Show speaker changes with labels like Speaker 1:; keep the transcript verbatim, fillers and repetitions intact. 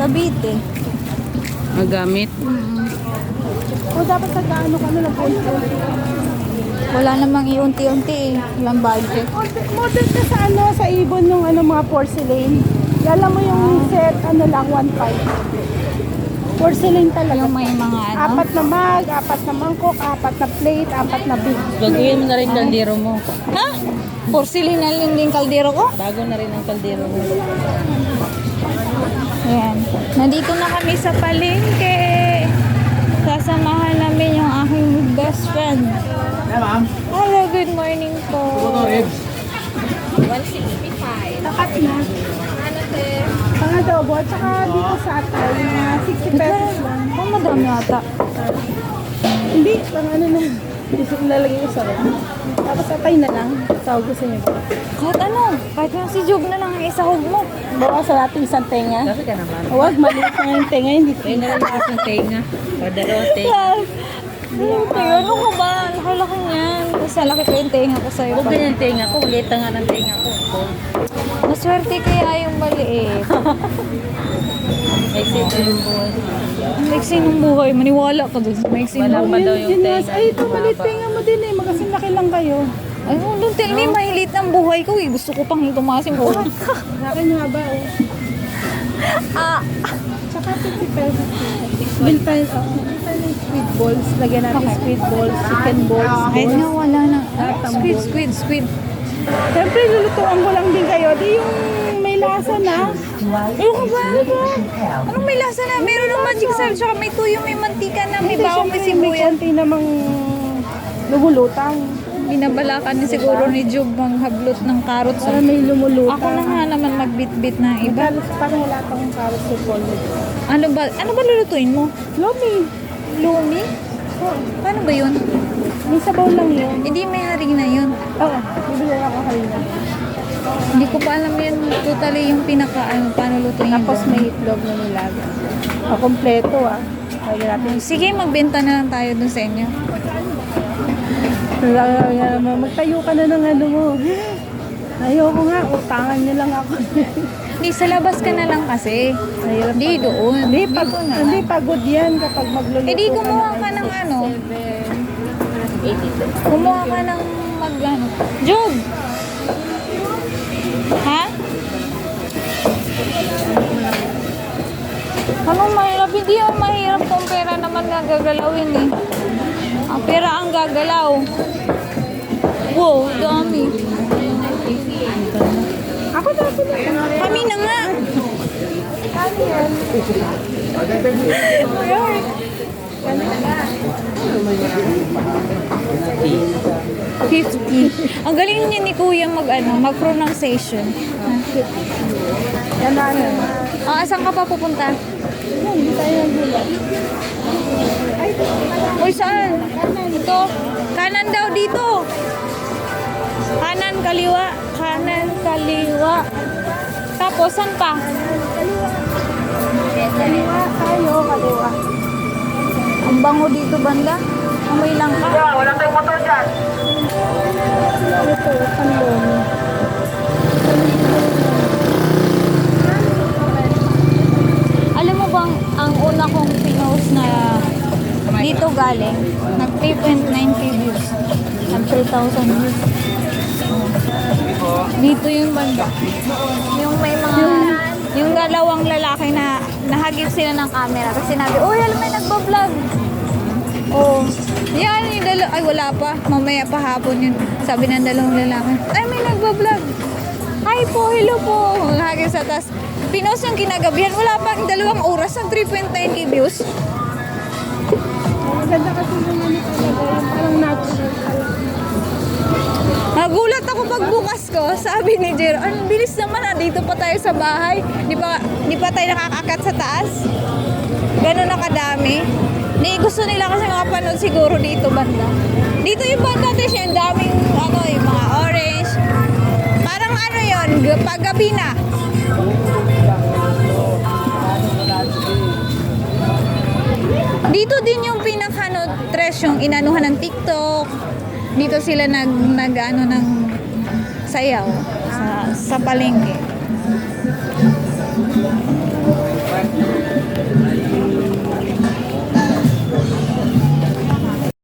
Speaker 1: Cavite.
Speaker 2: Magamit.
Speaker 1: Mm.
Speaker 3: O dapat sa gaano ka na nag-unti.
Speaker 1: Wala namang iunti-unti eh. Walang budget.
Speaker 3: Model ka sa ano, sa ibon yung ano, mga porcelain. Alam mo yung set, ano lang, one five. Porcelain talaga.
Speaker 1: Yung may mga ano.
Speaker 3: Apat na mug, apat na mangkok, apat na plate, apat na big.
Speaker 2: Baguhin mo na rin kaldero mo.
Speaker 1: Ha? Porcelain na lang din kaldero ko?
Speaker 2: Bago na rin ang kaldero mo.
Speaker 1: Ayan. Nandito na kami sa palengke. Sasamahan namin yung aking best friend.
Speaker 4: Yeah, ma'am.
Speaker 1: Hello, good morning po.
Speaker 3: Takat na. Pang adobo, at saka dito sa atay, mga sixty pesos lang.
Speaker 1: Oh, madami ata.
Speaker 3: Hindi, pang ano na. Gusto ko lalagay ko sa rin. Tapos atay na lang. Sa gusto niyo ba?
Speaker 1: Kahit ano, kahit yung si Job na lang ang isahog mo.
Speaker 3: Bawasan natin isang tenga.
Speaker 2: Kasi ka naman.
Speaker 3: Huwag, maliit na yung tenga, hindi
Speaker 2: Kaya na rin yung aking tenga. Padalote.
Speaker 1: Yes. Tenga, ano ko ba? Laki-laki niyan. Kasi laki ko yung tenga ko sa'yo.
Speaker 2: Huwag ganyan tenga ko. Ulit nga ng tenga ko.
Speaker 1: Maswerte kaya yung maliit.
Speaker 2: May sito yung buhay.
Speaker 1: Ang maiksi ng buhay. Maniwala ka dun. Maiksi ng
Speaker 2: Walang
Speaker 1: buhay.
Speaker 2: daw yung
Speaker 3: Yun nga,
Speaker 2: tenga.
Speaker 3: ay, ito maliit tenga mo din eh. Magasin laki lang kayo.
Speaker 1: Ay, oh, don't tell me, mahilit ng buhay ko eh. Gusto ko pang tumaas yung buhay.
Speaker 3: Sa akin haba oh.
Speaker 1: Ah,
Speaker 3: Tsaka fifty pesos. Bill pa yun, oh. Bill pa yun, squid balls. Lagyan natin squid balls, chicken balls,
Speaker 1: kahit
Speaker 3: balls.
Speaker 1: nga wala na.
Speaker 3: Lahat ng
Speaker 1: Squid,
Speaker 3: balls.
Speaker 1: squid, squid.
Speaker 3: Siyempre, lulutuan ko lang din kayo. Di yung may lasa na.
Speaker 1: Ano ka ba? Ano ba? Anong may lasa na? Meron ng magic salt, tsaka may tuyo, may mantika na, may
Speaker 3: Ito,
Speaker 1: bawang, may
Speaker 3: siyempre, may
Speaker 1: sibuyas.
Speaker 3: konti namang lumulutang.
Speaker 1: Binabalakan ni siguro ni Job ang hablot ng carrots.
Speaker 3: Para may lumulutang.
Speaker 1: Ako na nga naman magbit-bit ng iba.
Speaker 3: Iba. Parang wala pang carrots sa polvo.
Speaker 1: Ano ba? Ano ba lulutuin mo?
Speaker 3: Lomi.
Speaker 1: Lumi?
Speaker 3: Oh,
Speaker 1: Paano ba yun?
Speaker 3: may sabaw lang yun.
Speaker 1: Hindi may harina yun.
Speaker 3: Oo, bibili ako kanina.
Speaker 1: Hindi ko pa alam yun totally yung pinaka ano, paano lutuin yun.
Speaker 3: Tapos may itlog na nilaga. O, kompleto ah. Lagyan natin.
Speaker 1: Sige, magbenta na lang tayo dun sa inyo.
Speaker 3: Magtayo ka na ng ano mo. Ayoko nga, utangan niyo lang ako.
Speaker 1: Hindi, sa labas ka na lang kasi.
Speaker 3: Mahirap
Speaker 1: Hindi,
Speaker 3: pag-
Speaker 1: doon.
Speaker 3: Hindi, pag,
Speaker 1: Dito na.
Speaker 3: hindi pagod yan kapag magluluto.
Speaker 1: Eh di kumuha ka ng ano. Kumuha ka ng mag ano. Job! Ha? Anong mahirap? Hindi yung mahirap kung pera naman nga gagalawin eh. Ang pera ang gagalaw. Wow, dami.
Speaker 3: Ako na, ako na.
Speaker 1: Kami na nga.
Speaker 3: Kami yan.
Speaker 1: fifty. Ang galing niya ni Kuya mag ano, mag pronunciation.
Speaker 3: Yan na, ano.
Speaker 1: Ah, saan ka pa pupunta?
Speaker 3: Yan, hindi tayo nagulak. Ay,
Speaker 1: Uy, saan? Ito. Kanan daw dito. Kanan, kaliwa. Kanan, kaliwa. Tapos, saan pa?
Speaker 3: kaliwa tayo, kaliwa.
Speaker 1: Ang bango dito, banda. Amoy lang ka.
Speaker 3: Ito, panlong.
Speaker 1: Alam mo bang, ang una kong pinost na dito galing, nag three point nine K views. Nag three thousand views. Dito yung banda. Yung may mga, yung dalawang lalaki na nahagip sila ng camera. Tapos sinabi, uy, alam may nagbablog. Oh, yan yung dalawa. Ay, wala pa. Mamaya pa hapon yun. Sabi ng dalawang lalaki, ay, may nagbablog. Hi po, hello po. Nahagip sa tas. Pinost yung kinagabihan. Wala pa ang dalawang oras ng three point nine K views.
Speaker 3: Maganda kasi yung ano talaga, yung parang natural.
Speaker 1: Nagulat ako pagbukas ko, sabi ni Jero, ang bilis naman ah, dito pa tayo sa bahay. Di pa, di pa tayo nakakakat sa taas. Ganun na kadami. Di, gusto nila kasi makapanood siguro dito banda. Dito yung banda natin yung daming ano, yung mga orange. Parang ano yun, paggabi na. Dito din yung pinakano tres yung inanuhan ng TikTok. Dito sila nag nag ano ng sayaw sa sa palengke.